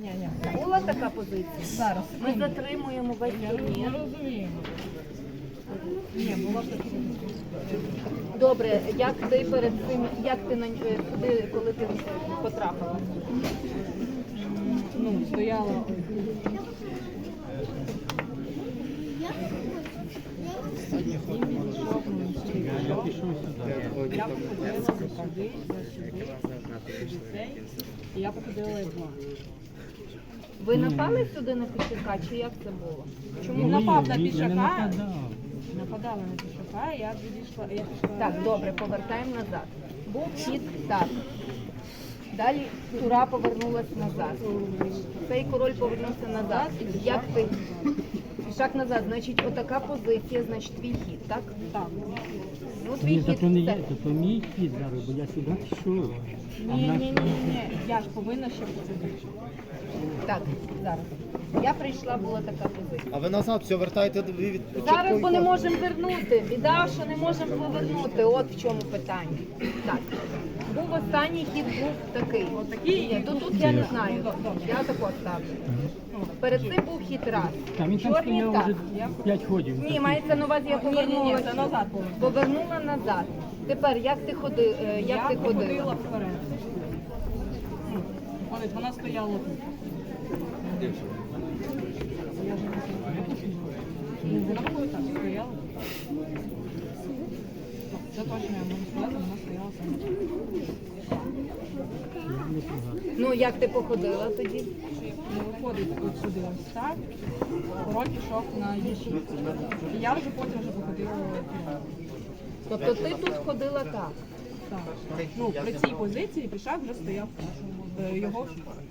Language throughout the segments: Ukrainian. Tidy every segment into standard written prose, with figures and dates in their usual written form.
Була така позиція? Зараз. Ми затримуємо весь турнір. Ні, була така. Добре, як ти перед цим, як ти сюди, коли ти потрапила? Ну, стояла. Я походила сюди, і я походила як була. Ви напали сюди на пішака, чи як це було? Чому напав на пішака? Нападала на пішака, я відійшла, я пішла. Так, добре, повертаємо назад. Був хід так. Далі тура повернулась назад. Цей король повернувся назад. Як ти? Пішак назад, значить, отака позиція, значить, твій хід, так? Так. Ну, твій Ні, хід. то не є, це. то мій хід зараз, бо я сюди пішов. Ні, я ж повинна ще посидіти. Так, зараз. Я прийшла, була така позиція. А ви назад все вертаєте від Зараз бо не можемо вернути. Біда, що не можемо повернути. От в чому питання. Так. Був останній хід, був такий. Отакий? Ні, тут я не знаю. Я тако ставлю. Перед цим був хід раз. Там він там Чорний стояв так. вже 5 ходів. Ні, мається на увазі, я Ні, повернулася. це назад було. Повернула назад. Тепер, як ти ходила? Я походила вперед. Ходить, вона стояла тут. Вона виходить так, стояла. Це точно я можу сказати, вона стояла сама. Ну, як ти походила тоді? Не виходить от сюди ось так. Король пішов на їжу. І я вже потім походила. Тобто ти тут ходила так. Так. Ну, при цій позиції пішак вже стояв його.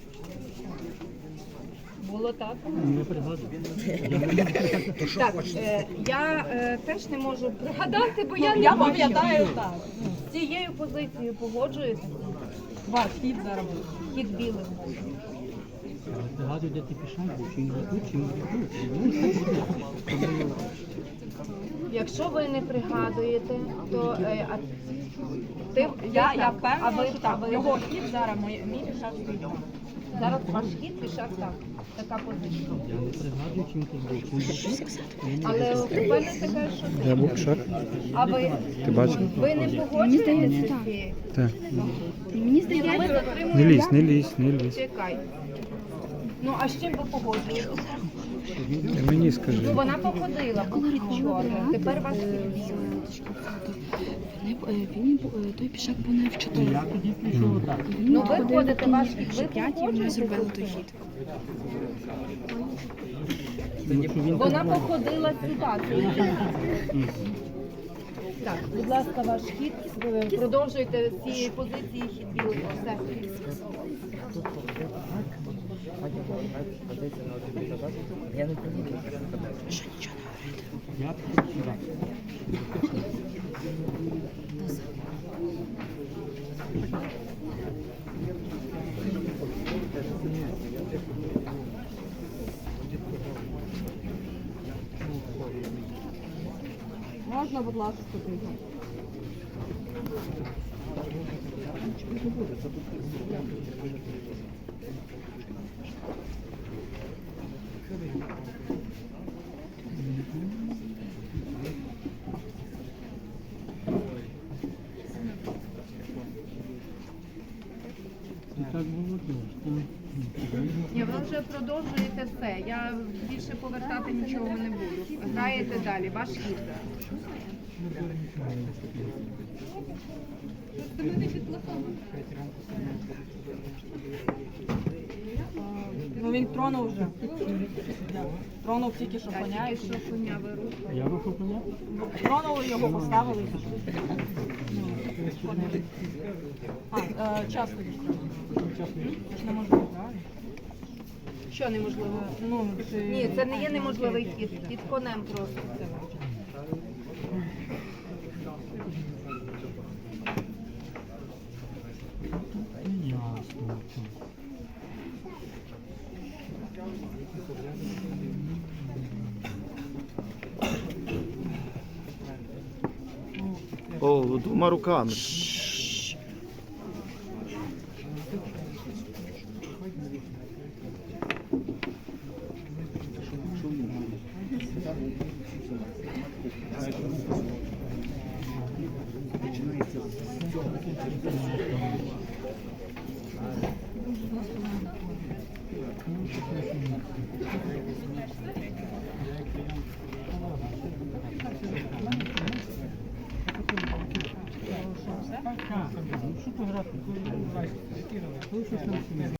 Було так? Не пригадую. Так, я теж не можу пригадати, бо я не Я бачила. пам'ятаю так. З цією позицією погоджуєтеся? Ваш хід зараз буде. Хід білих був. Пригадую, де ти пішов, був, чи не тут, чи не тут. Якщо ви не пригадуєте, то ти Я а впевнена, ви, що так. а ви- Його хід зараз, мій пішак стоїть. зараз ваш хід пішак так. Така позиція. Я не пригадую, чим ти був. Але впевнений така, що ти. Я був шар. А ви, Ти бачив? ви не погоджуєтеся з цією? Так. Мені Не затримуємо. лізь, не лізь, не лізь. Чекай. Ну, а з чим ви погоджуєтеся? Ти мені скажи. Ну, вона походила, був хід чорний. Тепер ваш хід білий. Той пішак був не в 4. Я тоді пішов отак. Ну, ви ходите, ваш хід, ви 5 і вони зробили той погоджуєтеся? хід. Вона походила сюди. Так, будь ласка, ваш хід. Продовжуйте з цієї позиції хід білий. Все. Я пішов сюди. Можна, будь ласка, туди. І так було теж. Ні, ви вже продовжуєте все. Я більше повертати нічого не буду. Граєте далі, ваш хід. Ну він тронув вже. Тронув тільки що коня. Тільки що коня вирушує. Я рухав коня? Тронули його, поставили і пішли. Час тоді. Це ж неможливо, правильно? Що неможливо? Ну, Ні, це не є неможливий хід. Під конем просто. Ясно. О, двома руками. Що ти грати?